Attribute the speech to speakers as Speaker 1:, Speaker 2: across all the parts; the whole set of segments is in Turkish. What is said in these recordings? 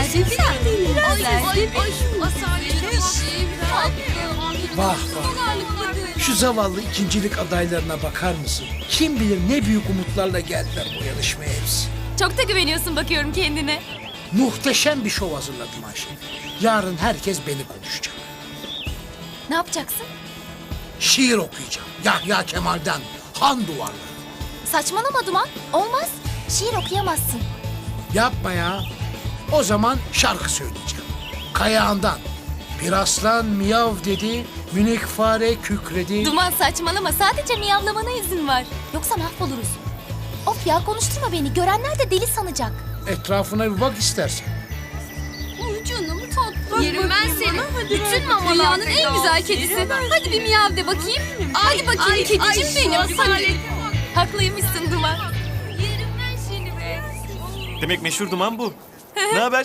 Speaker 1: Vah vah. Şu zavallı ikincilik adaylarına bakar mısın? Kim bilir ne büyük umutlarla geldiler bu yarışmaya hepsi.
Speaker 2: Çok da güveniyorsun bakıyorum kendine.
Speaker 1: Muhteşem bir şov hazırladım Ayşe. Yarın herkes beni konuşacak.
Speaker 2: Ne yapacaksın?
Speaker 1: Şiir okuyacağım. Yahya Kemal'den Han Duvarları.
Speaker 2: Saçmalama Duman. Olmaz. Şiir okuyamazsın.
Speaker 1: Yapma ya. O zaman şarkı söyleyeceğim. Kayağından. Bir aslan miyav dedi, minik fare kükredi.
Speaker 2: Duman saçmalama. Sadece miyavlamana izin var. Yoksa mahvoluruz. Of ya konuşturma beni. Görenler de deli sanacak.
Speaker 1: Etrafına bir bak istersen.
Speaker 3: Canım tatlı. Yerim ben seni. Bütün mamalar. Dünyanın en güzel kedisi. Hadi bir miyav de bakayım. Hadi bakayım kedicim benim. Hadi.
Speaker 2: Haklıymışsın Duman.
Speaker 3: Yerim ben seni be.
Speaker 4: Demek meşhur Duman bu. Ne haber?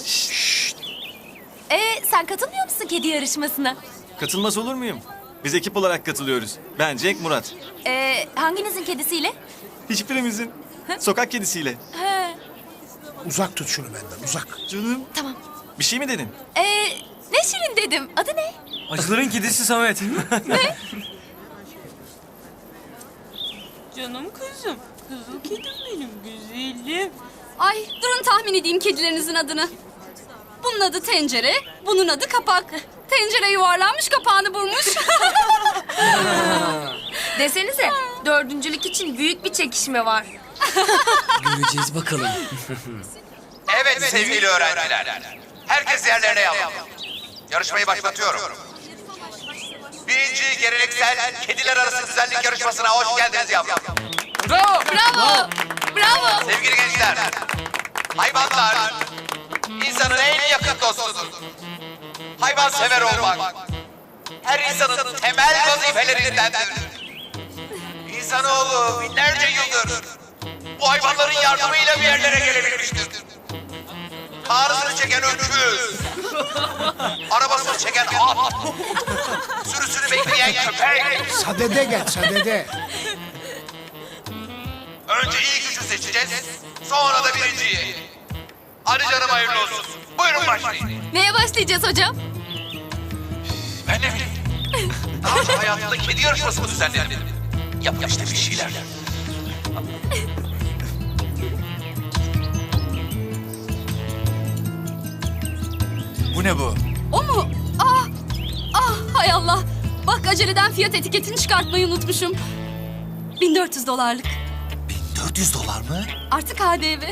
Speaker 2: Sen katılmıyor musun kedi yarışmasına?
Speaker 4: Katılmaz olur muyum? Biz ekip olarak katılıyoruz. Ben Cenk Murat.
Speaker 2: Hanginizin kedisiyle?
Speaker 4: Hiçbirimizin. Sokak kedisiyle.
Speaker 1: Uzak tut şunu benden, uzak.
Speaker 4: Canım.
Speaker 2: Tamam.
Speaker 4: Bir şey mi dedin?
Speaker 2: Ne şirin dedim. Adı ne?
Speaker 5: Acıların kedisi Samet.
Speaker 6: Canım kızım. Kızıl kedim benim güzelim.
Speaker 3: Ay durun tahmin edeyim kedilerinizin adını. Bunun adı tencere, bunun adı kapak. Tencere yuvarlanmış, kapağını vurmuş.
Speaker 7: Desenize, dördüncülük için büyük bir çekişme var.
Speaker 5: Göreceğiz bakalım.
Speaker 8: Evet sevgili öğrenciler. Herkes yerlerine yapın. Yarışmayı başlatıyorum. Birinci geleneksel kediler arası güzellik yarışmasına hoş geldiniz yavrum.
Speaker 7: Bravo!
Speaker 2: Bravo. Bravo.
Speaker 8: Sevgili gençler, hayvanlar insanın en yakın dostudur. Hayvansever olmak her insanın temel vazifelerindendir. İnsanoğlu binlerce yıldır bu hayvanların yardımıyla bir yerlere gelebilmiştir. Ağrısını çeken öküz, arabasını çeken at, sürüsünü bekleyen köpek.
Speaker 1: Sadede gel, sadede.
Speaker 8: Önce iyi gücü seçeceğiz, sonra da birinciyi. Hadi canım hayırlı olsun. Buyurun başlayın.
Speaker 2: Neye başlayacağız hocam?
Speaker 8: Ben ne bileyim. Daha önce hayatında kedi yarışması mı düzenledin? Yap işte bir şeyler. Bu ne bu?
Speaker 3: O mu? Hay Allah. Bak aceleden fiyat etiketini çıkartmayı unutmuşum. $1400.
Speaker 8: 1400 dolar mı?
Speaker 3: Artık KDV.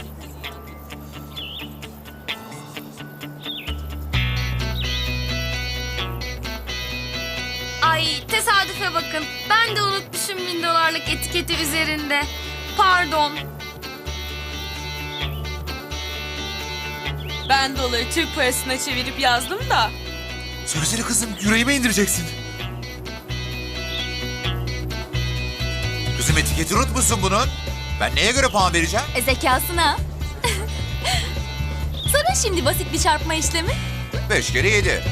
Speaker 7: Ay tesadüfe bakın. Ben de unutmuşum $1000 etiketi üzerinde. Pardon.
Speaker 6: Ben doları Türk parasına çevirip yazdım da.
Speaker 8: Söylesene kızım, yüreğime indireceksin. Kızım etiketi unutmuşsun bunun. Ben neye göre puan vereceğim?
Speaker 2: Zekasına. Sana şimdi basit bir çarpma işlemi.
Speaker 8: 5 kere 7.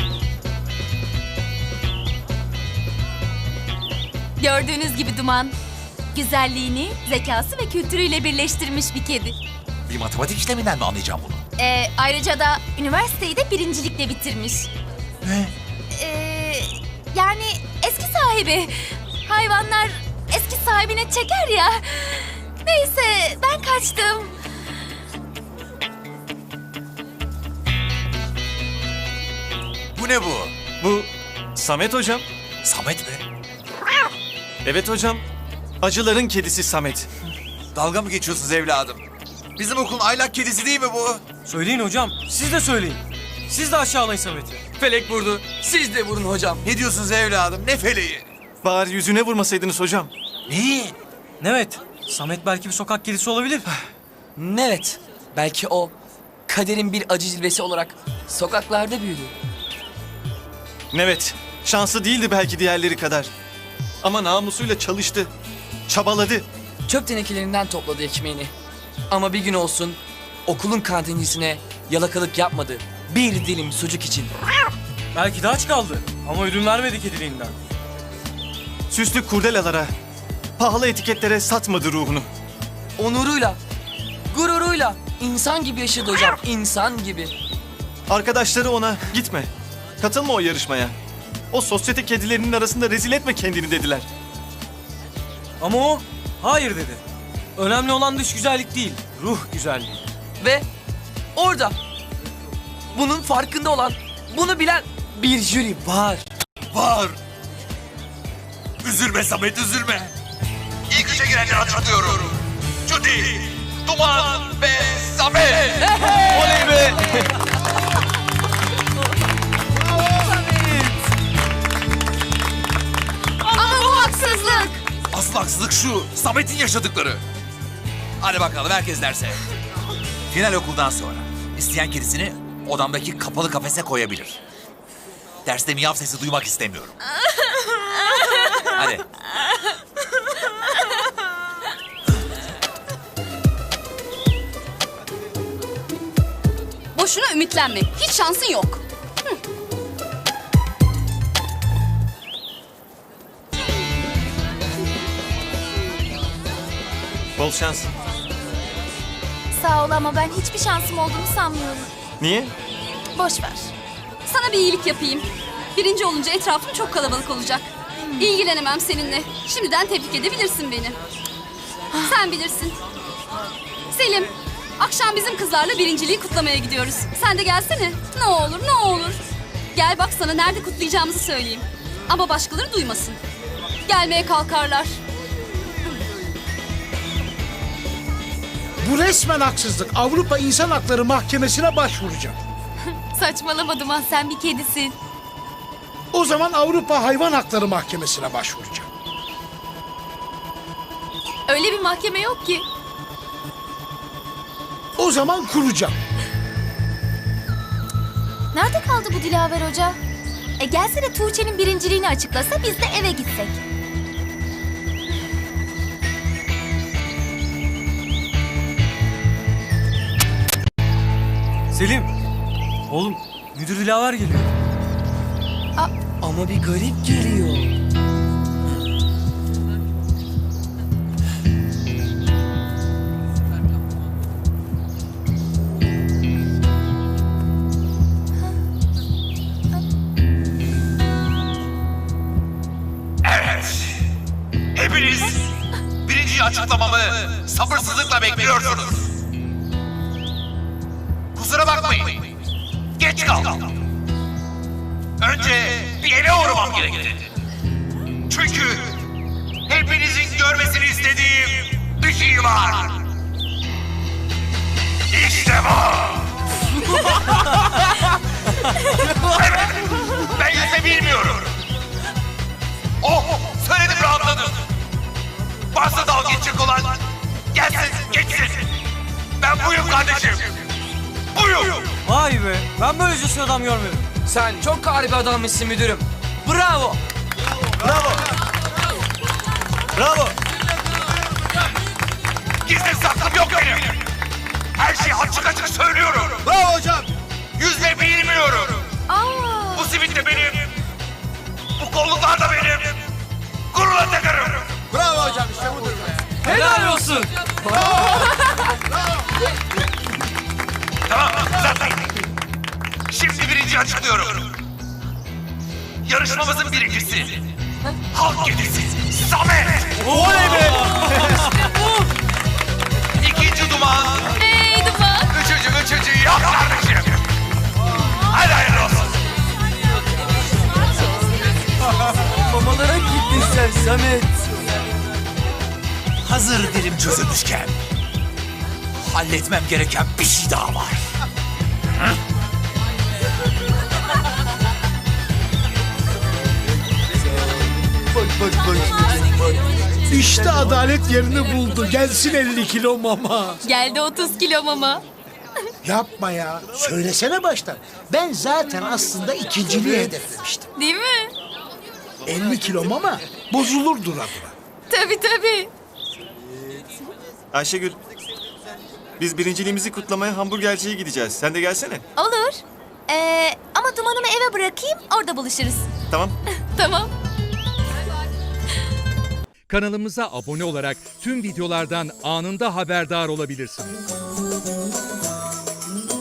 Speaker 2: Gördüğünüz gibi Duman, güzelliğini, zekası ve kültürüyle birleştirmiş bir kedi.
Speaker 8: Bir matematik işleminden mi anlayacağım bunu?
Speaker 2: Ayrıca da üniversiteyi de birincilikle bitirmiş.
Speaker 8: Ne?
Speaker 2: Yani eski sahibi. Hayvanlar eski sahibine çeker ya. Neyse ben kaçtım.
Speaker 8: Bu ne bu?
Speaker 4: Bu Samet hocam.
Speaker 8: Samet mi?
Speaker 4: Evet hocam. Acıların kedisi Samet.
Speaker 8: Dalga mı geçiyorsunuz evladım? Bizim okulun aylak kedisi değil mi bu?
Speaker 5: Söyleyin hocam. Siz de söyleyin. Siz de aşağılayın Samet'i.
Speaker 9: Felek vurdu. Siz de vurun hocam.
Speaker 8: Ne diyorsunuz evladım? Ne feleği?
Speaker 4: Bari yüzüne vurmasaydınız hocam.
Speaker 8: Neyi?
Speaker 5: Evet. Samet belki bir sokak kedisi olabilir.
Speaker 9: Evet. Belki o kaderin bir acı cilvesi olarak sokaklarda büyüdü.
Speaker 4: Evet. Şanslı değildi belki diğerleri kadar. Ama namusuyla çalıştı. Çabaladı.
Speaker 9: Çöp tenekelerinden topladı ekmeğini. Ama bir gün olsun okulun kantincisine yalakalık yapmadı. Bir dilim sucuk için.
Speaker 5: Belki de aç kaldı. Ama ödün vermedi kediliğinden.
Speaker 4: Süslü kurdelalara, pahalı etiketlere satmadı ruhunu.
Speaker 9: Onuruyla, gururuyla İnsan gibi yaşadı hocam, insan gibi.
Speaker 4: Arkadaşları ona gitme. Katılma o yarışmaya. O sosyete kedilerinin arasında rezil etme kendini dediler.
Speaker 5: Ama o hayır dedi. Önemli olan dış güzellik değil, ruh güzelliği.
Speaker 9: Ve orada bunun farkında olan, bunu bilen bir jüri var.
Speaker 8: Var. Üzülme Samet, üzülme. İlk üçe girenleri hatırlıyorum. Judy, Duman ve Samet.
Speaker 4: Oley be!
Speaker 3: Ama bu haksızlık.
Speaker 8: Asıl haksızlık şu, Samet'in yaşadıkları. Hadi bakalım herkes derse. Final okuldan sonra isteyen kedisini odamdaki kapalı kafese koyabilir. Derste miyav sesi duymak istemiyorum. Hadi.
Speaker 3: Boşuna ümitlenme. Hiç şansın yok.
Speaker 4: Bol şans.
Speaker 2: Sağ ol ama ben hiçbir şansım olduğunu sanmıyorum.
Speaker 4: Niye?
Speaker 2: Boş ver.
Speaker 3: Sana bir iyilik yapayım. Birinci olunca etrafım çok kalabalık olacak. İlgilenemem seninle. Şimdiden tebrik edebilirsin beni. Sen bilirsin. Selim, akşam bizim kızlarla birinciliği kutlamaya gidiyoruz. Sen de gelsene. Ne olur, ne olur. Gel bak sana nerede kutlayacağımızı söyleyeyim. Ama başkaları duymasın. Gelmeye kalkarlar.
Speaker 1: Bu resmen haksızlık. Avrupa İnsan Hakları Mahkemesi'ne başvuracağım.
Speaker 2: Saçmalama Duman, sen bir kedisin.
Speaker 1: O zaman Avrupa Hayvan Hakları Mahkemesi'ne başvuracağım.
Speaker 2: Öyle bir mahkeme yok ki.
Speaker 1: O zaman kuracağım.
Speaker 2: Nerede kaldı bu Dilaver Hoca? Gelse Tuğçe'nin birinciliğini açıklasa biz de eve gitsek.
Speaker 5: Selim, oğlum müdür Dilaver geliyor.
Speaker 9: Ama bir garip geliyor.
Speaker 8: Evet. Hepiniz birinci açıklamamı sabırsızlıkla bekliyorsunuz. Kusura bakmayın. Geç kaldım. Önce bir eve uğramam gerekti. Çünkü hepinizin görmesini istediğim bir şey var. İşte bu. Evet, ben yüzme bilmiyorum. Oh, söyledim rahatladım. Varsa dalga geçecek olan gelsin, geçsin. Ben buyum kardeşim. Buyum.
Speaker 5: Vay be, ben böylece adam görmedim.
Speaker 9: Sen çok harika adammışsın müdürüm. Bravo.
Speaker 4: Bravo! Bravo!
Speaker 8: Gizli saklım yok benim. Her şeyi açık açık söylüyorum.
Speaker 4: Bravo hocam!
Speaker 8: Yüzme bilmiyorum. Bu simit de benim. Bu kolluklar da benim. Gururla takarım.
Speaker 4: Bravo hocam, işte budur be.
Speaker 5: Helal olsun.
Speaker 8: Tamam, zaten. Şimdi birinci açıklıyorum. Yarışmamızın birincisi. Halk kedisi Samet.
Speaker 4: Oley be!
Speaker 8: İkinci Duman.
Speaker 2: Hey Duman.
Speaker 8: Üçüncü yok kardeşim. Hadi hayırlı olsun.
Speaker 9: Mamalara gittin sen Samet.
Speaker 8: Hazır dilim çözülmüşken halletmem gereken bir şey daha var.
Speaker 1: İşte adalet yerini buldu. Gelsin 50 kilo mama.
Speaker 2: Geldi 30 kilo mama.
Speaker 1: Yapma ya. Söylesene baştan. Ben zaten aslında ikinciliği hedeflemiştim.
Speaker 2: Değil mi?
Speaker 1: 50 kilo mama bozulur dura dura.
Speaker 2: Tabii.
Speaker 4: Ayşegül, biz birinciliğimizi kutlamaya hamburgerciye gideceğiz. Sen de gelsene.
Speaker 2: Olur. Ama Duman'ımı eve bırakayım, orada buluşuruz.
Speaker 4: Tamam.
Speaker 2: Tamam.
Speaker 10: Kanalımıza abone olarak tüm videolardan anında haberdar olabilirsiniz.